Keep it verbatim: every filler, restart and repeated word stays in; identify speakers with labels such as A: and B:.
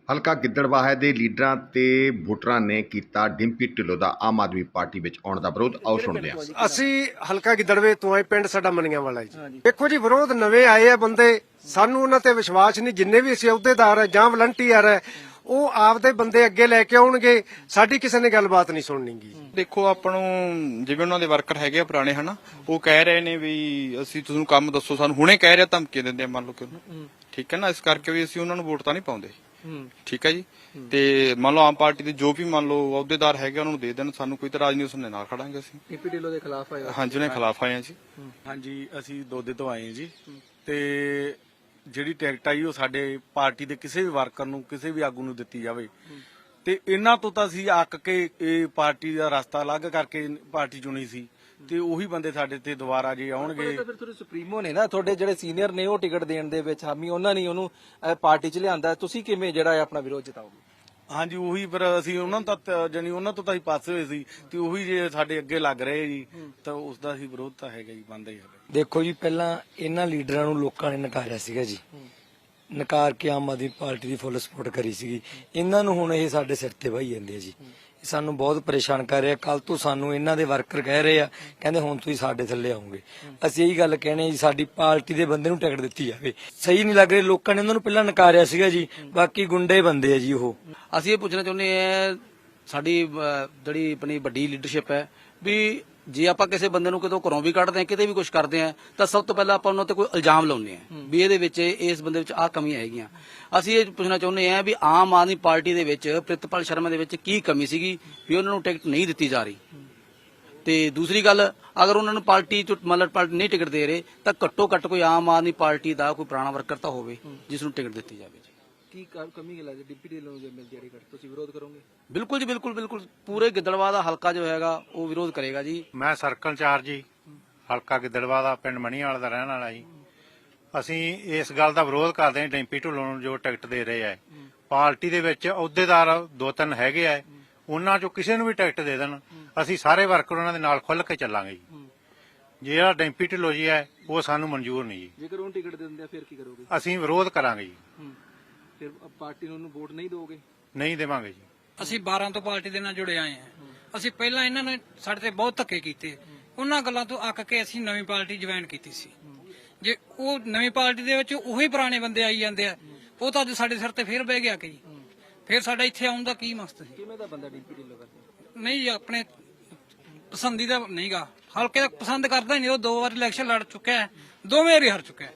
A: ਹਲਕਾ ਗਿੱਦੜਬਾਹਾ ਦੇ ਲੀਡਰਾਂ ਤੇ ਵੋਟਰਾਂ ਨੇ ਕੀਤਾ ਡਿੰਪੀ ਢਿੱਲੋਂ ਦਾ ਆਮ ਆਦਮੀ ਪਾਰਟੀ ਵਿੱਚ ਆਉਣ ਦਾ ਵਿਰੋਧ। ਆਓ ਸੁਣਦੇ ਹਾਂ।
B: ਅਸੀਂ ਹਲਕਾ ਗਿੱਦੜਵੇ ਤੋਂ ਆਏ, ਪਿੰਡ ਸਾਡਾ ਮੰਨੀਆਂ ਵਾਲਾ ਜੀ। ਦੇਖੋ ਜੀ, ਵਿਰੋਧ ਨਵੇਂ ਆਏ ਆ ਬੰਦੇ, ਸਾਨੂੰ ਉਹਨਾਂ ਤੇ ਵਿਸ਼ਵਾਸ ਨਹੀਂ। ਜਿੰਨੇ ਵੀ ਅਸੀਂ ਅਹੁਦੇਦਾਰ ਹੈ ਜਾਂ ਵਲੰਟੀਅਰ ਹੈ, ਉਹ ਆਪਦੇ ਬੰਦੇ ਅੱਗੇ ਲੈ ਕੇ ਆਉਣਗੇ, ਸਾਡੀ ਕਿਸੇ ਨੇ ਗੱਲਬਾਤ ਨਹੀਂ ਸੁਣਨੀਗੀ।
C: ਦੇਖੋ, ਆਪਾਂ ਨੂੰ ਜਿਵੇਂ ਉਹਨਾਂ ਦੇ ਵਰਕਰ ਹੈਗੇ ਆ ਪੁਰਾਣੇ, ਹਨਾ, ਉਹ ਕਹਿ ਰਹੇ ਨੇ ਵੀ ਅਸੀਂ ਤੁਹਾਨੂੰ ਕੰਮ ਦੱਸੋ, ਸਾਨੂੰ ਹੁਣੇ ਕਹਿ ਰਿਹਾ, ਧਮਕੀ ਦਿੰਦੇ ਆ, ਮੰਨ ਲਓ ਕਿ ਠੀਕ ਹੈ ਨਾ, ਇਸ ਕਰਕੇ ਵੀ ਅਸੀਂ ਉਹਨਾਂ ਨੂੰ ਵੋਟ ਤਾਂ ਨਹੀਂ ਪਾਉਂਦੇ। ਠੀਕ ਹੈ ਜੀ। ਤੇ ਮੰਨ ਲਓ ਆਮ ਪਾਰਟੀ ਦੇ ਜੋ ਵੀ ਮੰਨ ਲਓ ਅਹੁਦੇਦਾਰ ਹੈਗੇ ਉਹਨਾਂ ਨੂੰ ਦੇ ਦੇਣ, ਸਾਨੂੰ ਕੋਈ ਇਤਰਾਜ਼ ਨਹੀਂ, ਉਸਨੇ ਨਾਲ ਖੜਾਂਗੇ ਅਸੀਂ।
D: ਡਿੰਪੀ ਢਿੱਲੋਂ ਦੇ ਖਿਲਾਫ ਆਏ?
C: ਹਾਂਜੀ, ਉਹਨੇ ਖਿਲਾਫ ਆਏ ਆ ਜੀ।
E: ਹਾਂਜੀ, ਅਸੀਂ ਦੋਦੇ ਤੋਂ ਆਏ ਹਾਂ ਜੀ। ਤੇ ਜਿਹੜੀ ਟਿਕਟ ਆਈ ਉਹ ਸਾਡੇ ਪਾਰਟੀ ਦੇ ਕਿਸੇ ਵੀ ਵਰਕਰ ਨੂੰ, ਕਿਸੇ ਵੀ ਆਗੂ ਨੂੰ ਦਿੱਤੀ ਜਾਵੇ। ਤੇ ਇਹਨਾਂ ਤੋਂ ਤਾਂ ਅਸੀਂ ਅੱਕ ਕੇ ਇਹ ਪਾਰਟੀ ਦਾ ਰਸਤਾ ਅਲੱਗ ਕਰਕੇ ਪਾਰਟੀ ਚੁਣੀ ਸੀ, ਤੇ ਉਹੀ ਬੰਦੇ ਸਾਡੇ ਤੇ ਦੁਬਾਰਾ ਜੇ ਆਉਣਗੇ।
D: ਫਿਰ ਤੁਹਾਡੇ ਸੁਪਰੀਮੋ ਨੇ ਨਾ, ਤੁਹਾਡੇ ਜਿਹੜੇ ਸੀਨੀਅਰ ਨੇ, ਉਹ ਟਿਕਟ ਦੇਣ ਦੇ ਵਿੱਚ ਹਾਮੀ, ਉਹਨਾਂ ਨੇ ਉਹਨੂੰ ਪਾਰਟੀ 'ਚ ਲਿਆਂਦਾ। ਤੁਸੀਂ ਕਿਵੇਂ ਜਿਹੜਾ ਆਪਣਾ ਵਿਰੋਧ ਜਤਾਓਗੇ?
E: ਹਾਂਜੀ, ਉਹੀ ਫਿਰ ਅਸੀਂ ਉਹਨਾਂ ਨੂੰ ਤਾਂ ਜਾਨੀ ਉਹਨਾਂ ਤੋਂ ਤਾਂ ਅਸੀਂ ਪਾਸੇ ਹੋਏ ਸੀ, ਤੇ ਉਹੀ ਜੇ ਸਾਡੇ ਅੱਗੇ ਲੱਗ ਰਹੇ ਜੀ, ਤਾਂ ਉਸ ਦਾ ਅਸੀਂ ਵਿਰੋਧ ਤਾਂ ਹੈਗਾ ਜੀ, ਬੰਦਾ ਹੀ ਹੈਗਾ।
F: ਦੇਖੋ ਜੀ, ਪਹਿਲਾਂ ਇਹਨਾਂ ਲੀਡਰਾਂ ਨੂੰ ਲੋਕਾਂ ਨੇ ਨਕਾਰਿਆ ਸੀਗਾ ਜੀ, ਨਕਾਰ ਕੇ ਆਮ ਆਦਮੀ ਪਾਰਟੀ ਦੀ ਫੁੱਲ ਸਪੋਰਟ ਕਰੀ ਸੀਗੀ। ਇਹਨਾਂ ਨੂੰ ਹੁਣ ਇਹ ਸਾਡੇ ਸਿਰ ਤੇ ਵਹੀ ਜਾਂਦੇ ਆ ਜੀ, ਸਾਨੂੰ ਬਹੁਤ ਪਰੇਸ਼ਾਨ ਕਰ ਰਿਹਾ। ਕੱਲ ਤੋਂ ਸਾਨੂੰ ਇਹਨਾਂ ਦੇ ਵਰਕਰ ਕਹਿ ਰਹੇ ਆ, ਕਹਿੰਦੇ ਹੁਣ ਤੁਸੀਂ ਸਾਡੇ ਥੱਲੇ ਆਉਂਗੇ। ਅਸੀਂ ਇਹੀ ਗੱਲ ਕਹਿਣੇ ਜੀ, ਸਾਡੀ ਪਾਰਟੀ ਦੇ ਬੰਦੇ ਨੂੰ ਟਿਕਟ ਦਿੱਤੀ ਜਾਵੇ। ਸਹੀ ਨਹੀਂ ਲੱਗ ਰਿਹਾ, ਲੋਕਾਂ ਨੇ ਉਹਨਾਂ ਨੂੰ ਪਹਿਲਾਂ ਨਕਾਰਿਆ ਸੀਗਾ ਜੀ, ਬਾਕੀ ਗੁੰਡੇ ਬੰਦੇ ਆ ਜੀ ਉਹ।
G: ਅਸੀਂ ਇਹ ਪੁੱਛਣਾ ਚਾਹੁੰਦੇ ਆ, ਸਾਡੀ ਜਿਹੜੀ ਆਪਣੀ ਵੱਡੀ ਲੀਡਰਸ਼ਿਪ ਹੈ, ਵੀ ਜੇ ਆਪਾਂ ਕਿਸੇ ਬੰਦੇ ਨੂੰ ਕਿਤੋਂ ਘਰੋਂ ਵੀ ਕੱਢਦੇ ਆ, ਕਿਤੇ ਵੀ ਕੁਝ ਕਰਦੇ ਆ, ਤਾਂ ਸਭ ਤੋਂ ਪਹਿਲਾਂ ਆਪਾਂ ਉਹਨਾਂ ਤੇ ਕੋਈ ਇਲਜ਼ਾਮ ਲਾਉਂਦੇ ਆ ਵੀ ਇਹਦੇ ਵਿੱਚ, ਇਸ ਬੰਦੇ ਵਿੱਚ ਆਹ ਕਮੀਆਂ ਹੈਗੀਆਂ। ਅਸੀਂ ਇਹ ਪੁੱਛਣਾ ਚਾਹੁੰਦੇ ਆ ਵੀ ਆਮ ਆਦਮੀ ਪਾਰਟੀ ਦੇ ਵਿੱਚ ਪ੍ਰਿਤਪਾਲ ਸ਼ਰਮਾ ਦੇ ਵਿੱਚ ਕੀ ਕਮੀ ਸੀਗੀ ਵੀ ਉਹਨਾਂ ਨੂੰ ਟਿਕਟ ਨਹੀਂ ਦਿੱਤੀ ਜਾ ਰਹੀ। ਤੇ ਦੂਸਰੀ ਗੱਲ, ਅਗਰ ਉਹਨਾਂ ਨੂੰ ਪਾਰਟੀ ਚ ਮਤਲਬ ਪਾਰਟੀ ਨਹੀਂ ਟਿਕਟ ਦੇ ਰਹੇ, ਤਾਂ ਘੱਟੋ ਘੱਟ ਕੋਈ ਆਮ ਆਦਮੀ ਪਾਰਟੀ ਦਾ ਕੋਈ ਪੁਰਾਣਾ ਵਰਕਰ ਤਾਂ ਹੋਵੇ ਜਿਸ ਨੂੰ ਟਿਕਟ ਦਿੱਤੀ ਜਾਵੇ ਜੀ।
D: ਕੀ ਕਮੀ ਲੱਗਦੀ ਡਿੰਪੀ ਢਿੱਲੋਂ ਨੂੰ ਜੇ ਮਿਲ ਜਾੜੀ ਟਿਕਟ, ਤੁਸੀਂ ਵਿਰੋਧ ਕਰੋਗੇ?
G: ਬਿਲਕੁਲ ਜੀ, ਬਿਲਕੁਲ ਬਿਲਕੁਲ। ਪੂਰੇ ਗਿੱਦੜਬਾਹਾ ਦਾ ਹਲਕਾ ਜੋ ਹੈਗਾ ਉਹ ਵਿਰੋਧ ਕਰੇਗਾ ਜੀ।
H: ਮੈਂ ਸਰਕਲ ਇੰਚਾਰਜ ਜੀ, ਹਲਕਾ ਗਿੱਦੜਬਾਹਾ ਦਾ, ਪਿੰਡ ਮਣੀਵਾਲ ਦਾ ਰਹਿਣ ਵਾਲਾ ਜੀ। ਅਸੀਂ ਇਸ ਗੱਲ ਦਾ ਵਿਰੋਧ ਕਰਦੇ ਹਾਂ, ਡਿੰਪੀ ਢਿੱਲੋਂ ਨੂੰ ਜੋ ਟਿਕਟ ਦੇ ਰਹੇ ਆ। ਪਾਰਟੀ ਦੇ ਵਿੱਚ ਅਹੁਦੇਦਾਰ ਦੋ ਤਿੰਨ ਹੈਗੇ ਆ, ਉਹਨਾਂ ਚੋਂ ਕਿਸੇ ਨੂੰ ਵੀ ਟਿਕਟ ਦੇ ਦੇਣ, ਅਸੀਂ ਸਾਰੇ ਵਰਕਰ ਉਹਨਾਂ ਦੇ ਨਾਲ ਖੁੱਲ੍ਹ ਕੇ ਚੱਲਾਂਗੇ ਜੀ। ਜਿਹੜਾ ਡਿੰਪੀ ਢਿੱਲੋਂ ਜੀ ਹੈ, ਉਹ ਸਾਨੂੰ ਮਨਜ਼ੂਰ ਨਹੀਂ ਜੀ।
D: ਜੇਕਰ ਉਹਨੂੰ ਟਿਕਟ ਦੇ ਦਿੰਦੇ ਆ ਫਿਰ ਕੀ ਕਰੋਗੇ?
H: ਅਸੀਂ ਵਿਰੋਧ ਕਰਾਂਗੇ ਜੀ।
D: ਫਿਰ ਪਾਰਟੀ ਨੂੰ ਉਹਨੂੰ ਵੋਟ ਨਹੀਂ ਦੋਗੇ?
H: ਨਹੀਂ ਦੇਵਾਂਗੇ ਜੀ।
I: ਅਸੀਂ ਬਾਰਾਂ ਤੋਂ ਪਾਰਟੀ ਦੇ ਨਾਲ ਜੁੜੇ ਆਏ ਹਾਂ। ਅਸੀਂ ਪਹਿਲਾਂ ਇਹਨਾਂ ਨੇ ਸਾਡੇ ਤੇ ਬਹੁਤ ਧੱਕੇ ਕੀਤੇ, ਉਹਨਾਂ ਗੱਲਾਂ ਤੋਂ ਅੱਕ ਕੇ ਅਸੀਂ ਨਵੀਂ ਪਾਰਟੀ ਜੁਆਇਨ ਕੀਤੀ ਸੀ। ਜੇ ਉਹ ਨਵੀਂ ਪਾਰਟੀ ਦੇ ਵਿੱਚ ਉਹੀ ਪੁਰਾਣੇ ਬੰਦੇ ਆਈ ਜਾਂਦੇ ਆ, ਉਹ ਤਾਂ ਅੱਜ ਸਾਡੇ ਸਿਰ ਤੇ ਫੇਰ ਬਹਿ ਗਿਆ ਕਿ ਫਿਰ ਸਾਡਾ ਇੱਥੇ ਆਉਣ ਦਾ ਕੀ ਮਕਸਦ ਸੀ?
D: ਕਿਵੇਂ ਦਾ ਬੰਦਾ ਡਿੰਪੀ ਢਿੱਲੋਂ ਕਰਦੇ?
I: ਨਹੀਂ ਜੀ, ਆਪਣੇ ਪਸੰਦੀਦਾ ਨਹੀਂਗਾ, ਹਲਕੇ ਦਾ ਪਸੰਦ ਕਰਦਾ ਨਹੀਂ। ਉਹ ਦੋ ਵਾਰ ਇਲੈਕਸ਼ਨ ਲੜ ਚੁੱਕਿਆ ਹੈ, ਦੋਵੇਂ ਵਾਰੀ ਹਾਰ ਚੁੱਕਿਆ ਹੈ।